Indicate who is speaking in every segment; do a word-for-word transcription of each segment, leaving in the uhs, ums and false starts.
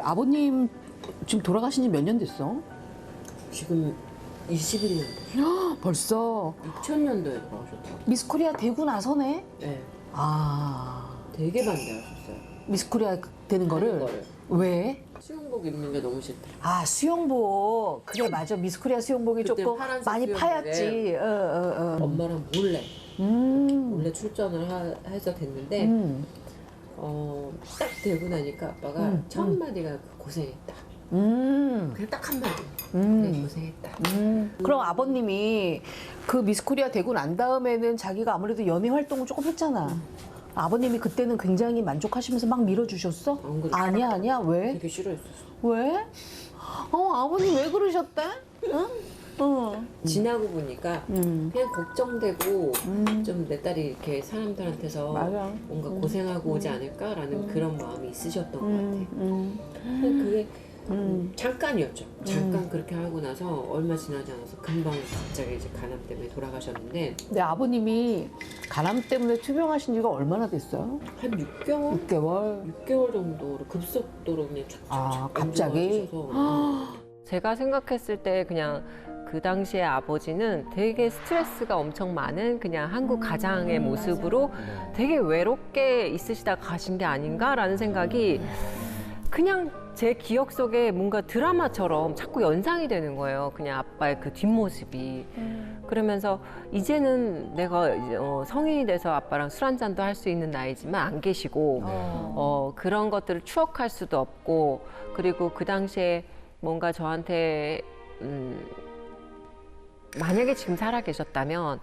Speaker 1: 아버님 지금 돌아가신 지 몇 년 됐어?
Speaker 2: 지금 이십일 년.
Speaker 1: 벌써
Speaker 2: 이천 년도에 돌아가셨더라고요.
Speaker 1: 미스코리아 되고 나서네?
Speaker 2: 네.
Speaker 1: 아,
Speaker 2: 되게 반대하셨어요.
Speaker 1: 미스코리아 되는 거를?
Speaker 2: 하는 거를.
Speaker 1: 왜?
Speaker 2: 수영복 입는 게 너무 싫다.
Speaker 1: 아, 수영복. 그래, 맞아. 미스코리아 수영복이
Speaker 2: 그때
Speaker 1: 조금
Speaker 2: 파란색
Speaker 1: 많이
Speaker 2: 수영복에
Speaker 1: 파였지. 어, 어, 어.
Speaker 2: 엄마랑 몰래
Speaker 1: 음.
Speaker 2: 몰래 출전을 하, 해서 됐는데
Speaker 1: 음.
Speaker 2: 어, 딱 되고 나니까 아빠가
Speaker 1: 음,
Speaker 2: 첫
Speaker 1: 음.
Speaker 2: 마디가 고생했다.
Speaker 1: 음.
Speaker 2: 그냥 딱 한 마디.
Speaker 1: 음.
Speaker 2: 그래 고생했다.
Speaker 1: 음. 그럼 아버님이 그 미스코리아 되고 난 다음에는 자기가 아무래도 연애 활동을 조금 했잖아.
Speaker 2: 음.
Speaker 1: 아버님이 그때는 굉장히 만족하시면서 막 밀어주셨어?
Speaker 2: 안 그랬어.
Speaker 1: 아니야, 아니야. 왜?
Speaker 2: 되게 싫어했었어.
Speaker 1: 왜? 어, 아버님 왜 그러셨대? 응? 응.
Speaker 2: 지나고 보니까
Speaker 1: 음.
Speaker 2: 그냥 걱정되고
Speaker 1: 음.
Speaker 2: 좀 내 딸이 이렇게 사람들한테서
Speaker 1: 맞아.
Speaker 2: 뭔가
Speaker 1: 음.
Speaker 2: 고생하고 오지 않을까라는 그런 마음이 있으셨던
Speaker 1: 음.
Speaker 2: 것 같아.
Speaker 1: 음.
Speaker 2: 근데 그게
Speaker 1: 음.
Speaker 2: 잠깐이었죠. 잠깐 그렇게 하고 나서 얼마 지나지 않아서 금방 갑자기 이제 간암 때문에 돌아가셨는데
Speaker 1: 내 아버님이 간암 때문에 투병하신 지가 얼마나 됐어요?
Speaker 2: 한 육 개월?
Speaker 1: 육 개월.
Speaker 2: 육 개월 정도로 급속도로 그냥 촥촥촥
Speaker 1: 아,
Speaker 2: 안
Speaker 1: 갑자기?
Speaker 2: 좋아지셔서.
Speaker 3: 제가 생각했을 때 그냥 그 당시에 아버지는 되게 스트레스가 엄청 많은 그냥 한국 가장의 모습으로 되게 외롭게 있으시다 가신 게 아닌가라는 생각이 그냥 제 기억 속에 뭔가 드라마처럼 자꾸 연상이 되는 거예요. 그냥 아빠의 그 뒷모습이. 그러면서 이제는 내가 이제 어, 성인이 돼서 아빠랑 술 한잔도 할 수 있는 나이지만 안 계시고 어, 그런 것들을 추억할 수도 없고 그리고 그 당시에 뭔가 저한테 음, 만약에 지금 살아 계셨다면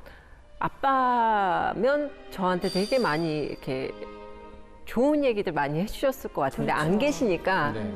Speaker 3: 아빠면 저한테 되게 많이 이렇게 좋은 얘기들 많이 해주셨을 것 같은데 안 계시니까
Speaker 4: 네.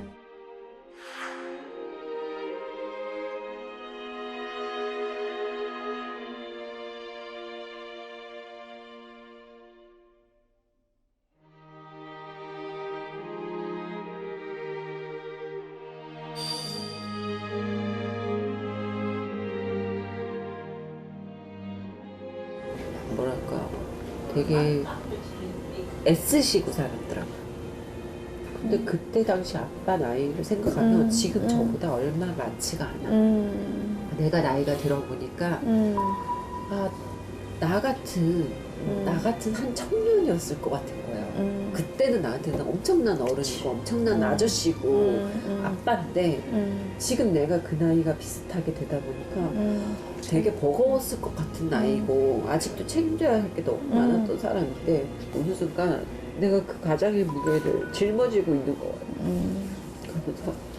Speaker 2: 뭐랄까 되게 애쓰시고 살았더라고요. 근데 그때 당시 아빠 나이를 생각하면
Speaker 1: 음,
Speaker 2: 지금
Speaker 1: 음.
Speaker 2: 저보다 얼마 많지가 않아.
Speaker 1: 음.
Speaker 2: 내가 나이가 들어보니까
Speaker 1: 음.
Speaker 2: 아, 나 같은 나 같은 한 청년이었을 것 같은 거예요.
Speaker 1: 음.
Speaker 2: 그때는 나한테는 엄청난 어른이고 엄청난
Speaker 1: 음.
Speaker 2: 아저씨고
Speaker 1: 음. 음.
Speaker 2: 아빠인데
Speaker 1: 음.
Speaker 2: 지금 내가 그 나이가 비슷하게 되다 보니까
Speaker 1: 음.
Speaker 2: 되게 버거웠을 것 같은 나이고 아직도 책임져야 할 게 너무
Speaker 1: 음.
Speaker 2: 많았던 사람인데 어느 순간 내가 그 가장의 무게를 짊어지고 있는 거예요.
Speaker 1: 음.
Speaker 2: 그러면서